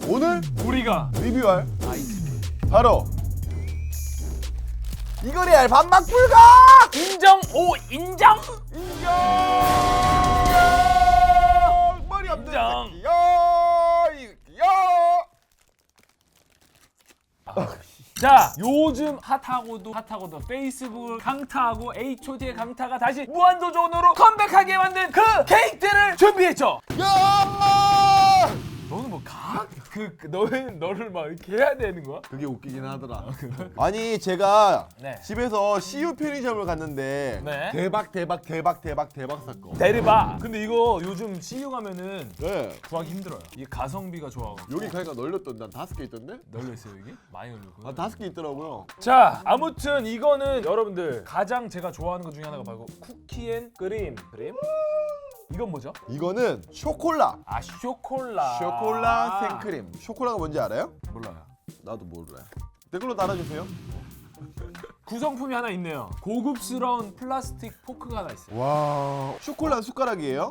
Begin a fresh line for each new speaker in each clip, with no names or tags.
오늘
우리가
리뷰할
아이스크림
바로 이거래알 반박 불가!
인정 오 인정
인정! 머리 없는
인정.
새끼야!
자 요즘 핫하고도 페이스북 강타하고 HOT의 강타가 다시 무한도전으로 컴백하게 만든 그 케이크들을 준비했죠.
야!
너는 뭐 너를 막 이렇게 해야 되는 거야?
그게 웃기긴 하더라. 아니 제가
네.
집에서 CU 편의점을 갔는데
네.
대박 사건.
데리바. 근데 이거 요즘 CU 가면은
네.
구하기 힘들어요. 이게 가성비가 좋아가지고.
여기 가니까 널렸던데 한 5개 있던데?
널려있어요 여기? 많이 널렸고.
아 5개 있더라고요.
자 아무튼 이거는 여러분들 가장 제가 좋아하는 것 중에 하나가 바로 쿠키앤크림. 이건 뭐죠?
이거는 쇼콜라.
아 쇼콜라.
쇼콜라 생크림. 쇼콜라가 뭔지 알아요?
몰라요.
나도 몰라요. 댓글로 달아주세요.
구성품이 하나 있네요. 고급스러운 플라스틱 포크가 하나 있어요.
와, 쇼콜라 숟가락이에요?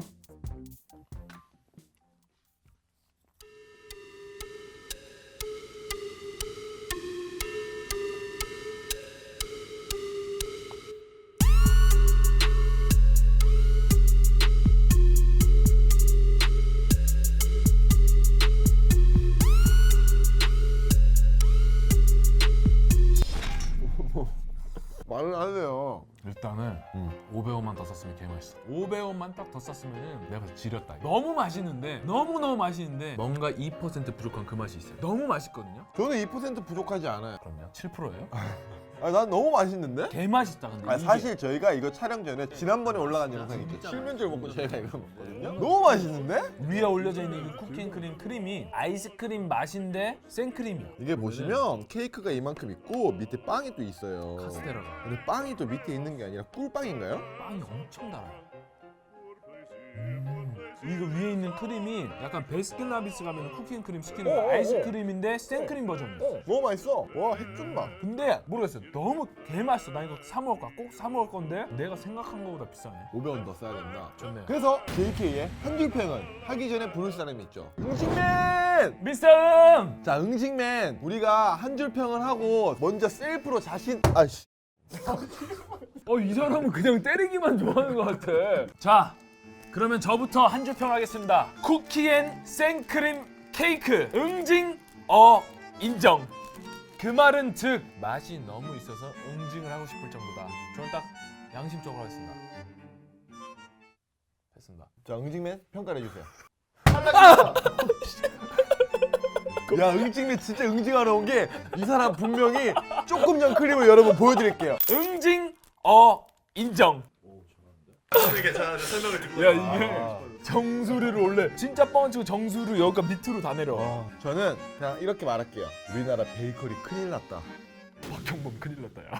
말을 안 해요.
일단은 500원만 더 썼으면 개맛있어. 500원만 딱 더 썼으면 내가 지렸다. 너무 맛있는데 너무 맛있는데 뭔가 2% 부족한 그 맛이 있어요. 너무 맛있거든요.
저는 2% 부족하지 않아요.
그럼요. 7%예요?
아니, 난 너무 맛있는데?
개맛있다 근데.
아니,
이게.
사실 저희가 이거 촬영 전에 지난번에 올라간 영상 있죠. 실면제를 먹고 저희가 이거 먹거든요. 너무 맛있는데?
위에 올려져 있는 이 쿠키앤크림 크림이 아이스크림 맛인데 생크림이야.
이게 보시면 케이크가 이만큼 있고 밑에 빵이 또 있어요.
카스테라가.
근데 빵이 또 밑에 있는 게 아니라 꿀빵인가요?
빵이 엄청 달아요. 이거 위에 있는 크림이 약간 베스킨라빈스 가면 쿠키앤크림 시키는 거 아이스크림인데 생크림 버전이야.
너무 맛있어. 와, 핵준맛.
근데 모르겠어요. 너무 개맛있어. 나 이거 사 먹을 거야. 꼭 사 먹을 건데 내가 생각한 거보다 비싸네.
500원 더 써야 된다.
좋네요.
그래서 JK의 한줄평은 하기 전에 부를 사람이 있죠. 응징맨!
미스터 음!
자, 응징맨. 우리가 한줄평을 하고 먼저 셀프로 자신... 아이씨.
이 사람은 그냥 때리기만 좋아하는 것 같아. 자, 그러면 저부터 한 줄 평하겠습니다. 쿠키앤 생크림 케이크 응징 인정. 그 말은 즉 맛이 너무 있어서 응징을 하고 싶을 정도다. 저는 딱 양심적으로 하겠습니다. 됐습니다.
자, 응징맨 평가를 해주세요. 야, 응징맨 진짜 응징하러 온 게 이 사람 분명히 조금 전 크림을 여러분 보여드릴게요.
응징 인정.
괜찮아. 설명을 듣고.
야 이게 정수리를 원래 진짜 뻥치고 정수리 여기가 밑으로 다 내려.
저는 그냥 이렇게 말할게요. 우리나라 베이커리 큰일 났다.
박형범 큰일 났다 야.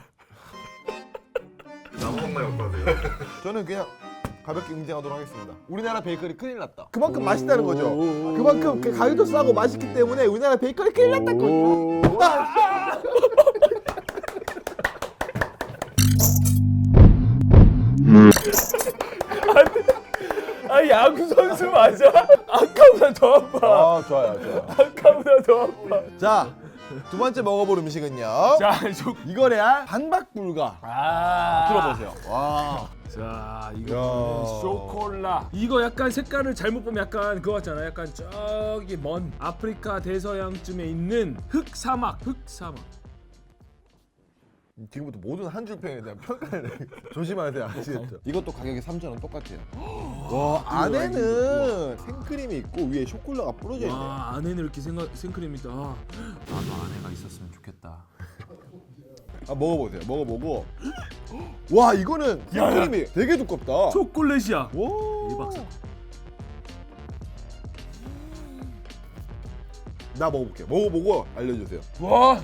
나무만 갖고 와세요.
저는 그냥 가볍게 응징하도록 하겠습니다. 우리나라 베이커리 큰일 났다. 그만큼 맛있다는 거죠. 그만큼 그 가격도 싸고 맛있기 때문에 우리나라 베이커리 큰일 났다는 거죠.
야구 선수 맞아? 아까보다 더 아파.
아, 좋아요.
아까보다 더 아파.
자, 두 번째 먹어볼 음식은요.
자,
이거래야 반박 불가. 들어보세요. 와.
자, 이거
야.
쇼콜라. 이거 약간 색깔을 잘못 보면 약간 그거 같잖아. 약간 저기 먼 아프리카 대서양쯤에 있는 흑사막.
지금부터 모든 한줄평에 대한 평가를 조심하세요. 아시겠죠? 이것도 가격이 3,000원 똑같아요. 와, 안에는 생크림이 있고 위에 쇼콜라가 뿌려져 있네.
와, 안에는 이렇게 생크림이 있다. 나도 아내가 있었으면 좋겠다.
아, 먹어보세요. 먹어보고. 와, 이거는 생크림이 되게 두껍다.
초콜릿이야.
와.
대박.
나 먹어볼게요. 먹어보고 알려주세요.
와.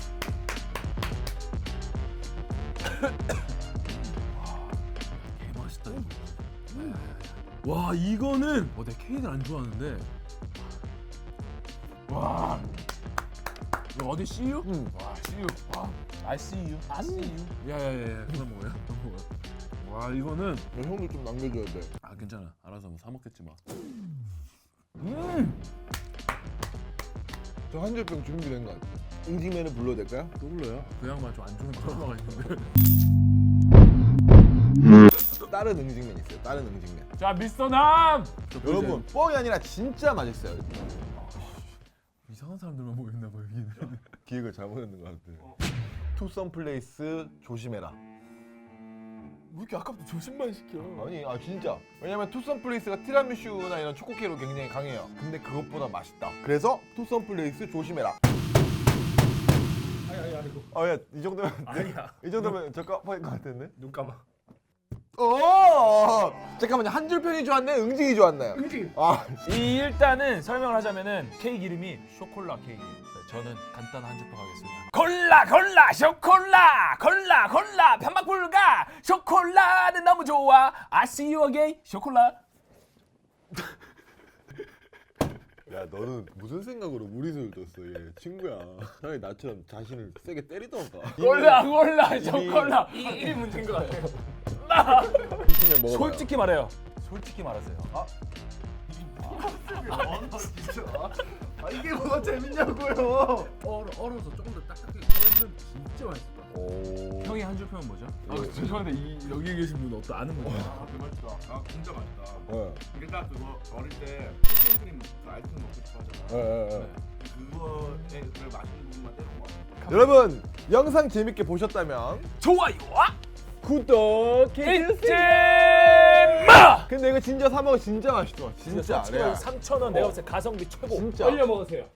개맛있다 이거. 와 이거는 내가 케이크를 안 좋아하는데 와 이거 어디 CU? 와 CU 와 I see you I see you 야야야 그만 먹어요 와 이거는
형도 좀 남겨줘야 돼.
괜찮아 알아서 뭐 사 먹겠지 뭐
저 한 줄평 준비된 것 같아요. 응징맨을 불러도 될까요?
또 불러요? 그 양반 좀 안 좋은 트라우마가 있는데.
다른 응징맨 있어요. 다른 응징맨.
자 미스터 남.
여러분 뻥이 아니라 진짜 맛있어요.
이상한 사람들만 모였나 봐 여기는.
기획을 잘못했는 것 같아요. 투썸 플레이스 조심해라.
왜 이렇게 아까부터 조심만 시켜?
아니 진짜. 왜냐면 투썸 플레이스가 티라미슈나 이런 초코케로 굉장히 강해요. 근데 그것보다 맛있다. 그래서 투썸 플레이스 조심해라.
아이고.
야, 이 정도면
아니야.
이 정도면 적합할 것 같은데.
눈 감아.
잠깐만요. 한 줄 평이 좋았나요? 응징이 좋았나요?
응징.
아,
일단은 설명을 하자면은 케이크 이름이 쇼콜라 케이크예요. 저는 간단한 한 줄평 하겠습니다. 골라 쇼콜라 골라 편막 불가 쇼콜라는 너무 좋아 I see you again 쇼콜라.
야 너는 무슨 생각으로 무리수를 뒀어? 얘 친구야. 차라리 나처럼 자신을 세게 때리던가.
골라 쇼콜라 이 문제인 것 같아요.
이기면 먹어봐요.
솔직히 말해요. 솔직히 말하세요.
이게 뭐가 재밌냐고요?
얼어서 조금 더 딱딱하게 썰면 진짜 맛있을 것 같아.
오.
형이 한 줄 평은 뭐죠? 죄송한데 여기 계신 분 어떤 아는 분이야?
아, 되게 맛있다. 아, 진짜 맛있다.
네.
이게 딱 그거 어릴 때 푸딩크림 그 아이스크림 먹고 싶어 하잖아.
네.
그거에 그 맛있는 부분만 때린 거 같아.
여러분 영상 재밌게 보셨다면
좋아요와
구독
잊지 마.
근데 이거 진짜 사 먹어 진짜 맛있어. 진짜 레알.
3,000원 내가 봤을 때 가성비 최고.
진짜.
얼려 먹으세요.